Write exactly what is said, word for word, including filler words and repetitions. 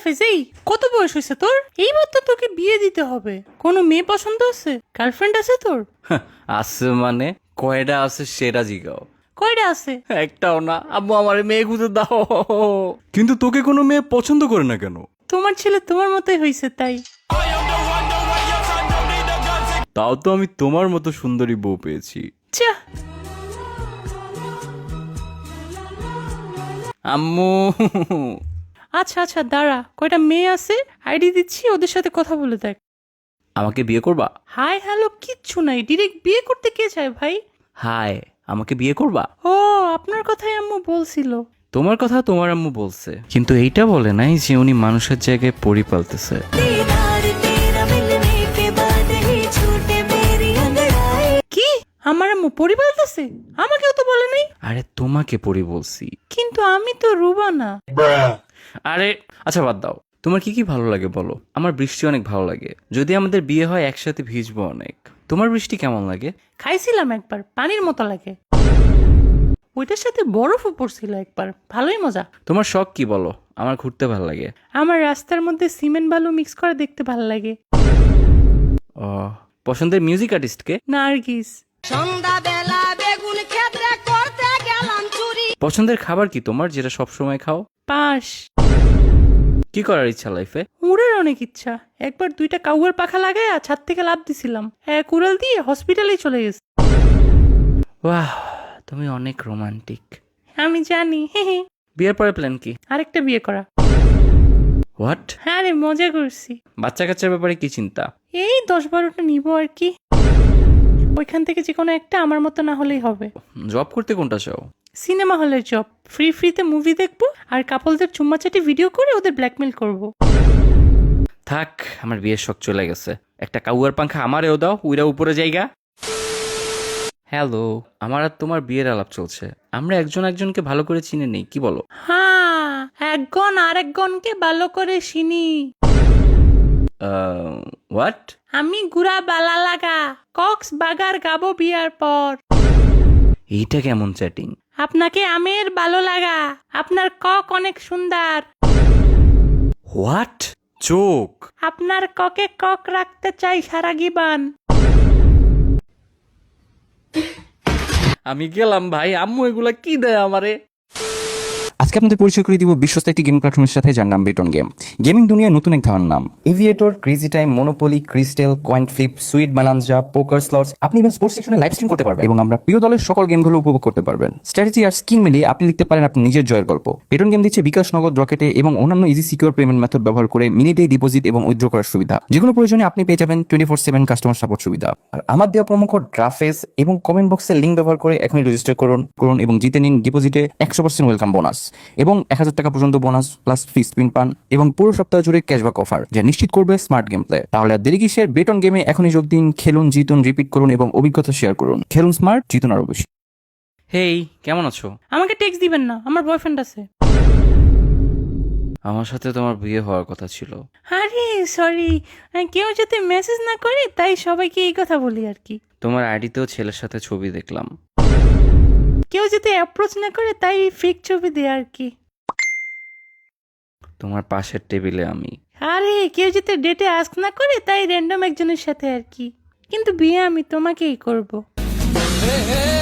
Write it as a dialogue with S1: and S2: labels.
S1: রাফেজ, এই কত বয়স হয়েছে তোর? এইবার তো তোকে বিয়ে দিতে হবে। কোনো মেয়ে পছন্দ আছে? গার্লফ্রেন্ড আছে তোর?
S2: আছে মানে কয়টা আছে সেটা জিগাও।
S1: কয়টা আছে?
S2: একটাও না আব্বু, আমার মেয়ে খুঁজে দাও।
S3: কিন্তু তোকে কোনো মেয়ে পছন্দ করে না কেন?
S1: তোমার ছেলে তোমার মতোই হয়েছে তাই।
S3: তাও তো আমি তোমার মতো সুন্দরী বউ পেয়েছি।
S1: চা
S2: আম্মু
S1: আচ্ছা আচ্ছা দাঁড়া, কয়টা মেয়ে আছে আইডি দিচ্ছি, ওদের সাথে কথা বলে দেখ।
S2: আমাকে বিয়ে করবা?
S1: হাই হ্যালো কিচ্ছু নাই, ডিরেক্ট বিয়ে করতে কে চায় ভাই?
S2: হাই, আমাকে বিয়ে করবা?
S1: ও আপনার কথাই আম্মু বলছিল।
S2: তোমার কথা তোমার আম্মু বলছে, কিন্তু এইটা বলে নাই যে উনি মানুষের জায়গায় পরি পালতেছে।
S1: কি আমার আম্মু পরি বলতেছে? আমাকেও তো বলে নাই।
S2: আরে তোমাকে পরি বলছি।
S1: কিন্তু আমি তো রুবা না।
S2: আরে আচ্ছা বাদ দাও, তোমার কি কি ভালো লাগে বলো। আমার বৃষ্টি অনেক ভালো লাগে, যদি আমাদের বিয়ে হয় একসাথে ভিজবো অনেক। তোমার বৃষ্টি কেমন লাগে?
S1: খাইছিলাম একবার, পানির মতো লাগে। ওইটার সাথে বরফও পড়ছিল একবার, ভালোই মজা।
S2: তোমার শখ কি বলো? আমার ঘুরতে ভালো লাগে।
S1: আমার রাস্তার মধ্যে সিমেন্ট বালু মিক্স করে দেখতে ভালো লাগে।
S2: ও, পছন্দের মিউজিক আর্টিস্টকে?
S1: নার্গিস।
S4: সন্ধ্যাবেলা বেগুন ক্ষেত্রে করতে গেলাম চুরি।
S2: পছন্দের খাবার কি তোমার, যেটা সব সময় খাও?
S1: পাশ।
S2: কি করার ইচ্ছা লাইফে?
S1: উড়ের অনেক ইচ্ছা। একবার দুইটা কাউয়ার পাখা লাগায় ছাদ থেকে লাফ দিছিলাম, এক উড়াল দিয়ে হসপিটালেই চলে গেছে।
S2: বাহ, তুমি অনেক রোমান্টিক।
S1: আমি জানি, হে হে।
S2: বিয়ের পরে প্ল্যান কি?
S1: আরেকটা বিয়ে করা।
S2: হোয়াট?
S1: হ্যাঁ রে, মজা করছি।
S2: বাচ্চা কাচ্চার ব্যাপারে কি চিন্তা?
S1: এই দশ বারোটা নিব আর কি। ওইখান থেকে যে কোনো একটা আমার মতো না হলেই হবে।
S2: জব করতে কোনটা চাও?
S1: সিনেমা হলের জব, ফ্রি ফ্রিতে মুভি দেখবো আর কাপলদের চুম্মাচাটি ভিডিও করে ওদের ব্ল্যাকমেল করব।
S2: থাক, আমার বিয়ের শখ চলে গেছে। একটা কাউয়ার পাংখা আমারেও দাও, উইরা উপরে জায়গা। হ্যালো, আমার আর তোমার বিয়ের আলাপ চলছে। আমরা একজন একজনকে ভালো করে চিনে নেই, কি বলো?
S1: হ্যাঁ, একগণ আরেকগণকে ভালো করে চিনি।
S2: হোয়াট?
S1: আমি গুড়া বালা লাগা, কক্স বাগার গাবো বিয়ার পর।
S2: এইটা কেমন চ্যাটিং?
S1: আপনাকে আমের ভালো লাগা, আপনার কক অনেক সুন্দর।
S2: হোয়াট?
S3: চোখ।
S1: আপনার ককে কক রাখতে চাই সারা জীবন।
S2: আমি গেলাম ভাই, আম্মু এগুলা কি দেয় আমারে?
S5: আজকে আপনাদের পরিচয় করে দিব বিশ্বস্ত একটি গেম প্ল্যাটফর্মের সাথে, যার নাম বেটন গেম। গেমিং দুনিয়ায় নতুন এক ধারণার নাম। Aviator, crazy time, monopoly, crystal, coin flip, sweet bonanza, poker slots, আপনি ইভেন স্পোর্টস সেকশনে লাইভ স্ট্রিম করতে পারবেন এবং আমরা প্রিয় দলের সকল গেমগুলো উপভোগ করতে পারবেন। স্ট্র্যাটেজি আর স্কিল মিলিয়ে আপনি লিখতে পারেন আপনি নিজের জয়ের গল্প। বেটন গেম দিচ্ছে বিকাশ, নগদ, রকেটে এবং অন্যান্য ইজি সিকিউর পেমেন্ট মেথড ব্যবহার করে মিনিটে ডিপোজিট এবং উইথড্র করার সুবিধা। যেকোনো প্রয়োজনে আপনি পেয়ে যাবেন twenty four seven customer support সুবিধা। আর আমার দেওয়া প্রোমো কোড ড্রাফেস এবং কমেন্ট বক্সের লিঙ্ক ব্যবহার করে এখনই রেজিস্টার করুন করুন এবং জিতে নিন ডিপোজিটে একশো পার্সেন্ট ওয়েলকাম বোনাস এবং এক হাজার টাকা পর্যন্ত বোনাস প্লাস ফ্রি স্পিন পান এবং পুরো সপ্তাহ জুড়ে ক্যাশব্যাক অফার, যা নিশ্চিত করবে স্মার্ট গেম প্লে। তাহলে আর দেরি কিসের? বেটন গেমে এখনই যোগ দিন, খেলুন, জিতুন, রিপিট করুন এবং অভিজ্ঞতা শেয়ার করুন। খেলুন স্মার্ট, জিতুন আরো বেশি।
S2: হেই, কেমন আছো?
S1: আমাকে টেক্সট দিবেন না, আমার বয়ফ্রেন্ড আছে।
S2: আমার সাথে তোমার বিয়ে হওয়ার কথা ছিল।
S1: আরে সরি, কেউ যদি মেসেজ না করে তাই সবাইকে এই কথা বলি আর কি।
S2: তোমার আইডিতেও ছেলের সাথে ছবি দেখলাম।
S1: কেউ যদি অ্যাপ্রোচ না করে তাই ফেক ছবি দেয় আর কি।
S2: তোমার পাশের টেবিলে আমি।
S1: আরে কেউ যদি ডেটে আস্ক না করে তাই র্যান্ডম একজনের সাথে আর কি। কিন্তু বিয়ে আমি তোমাকেই করব।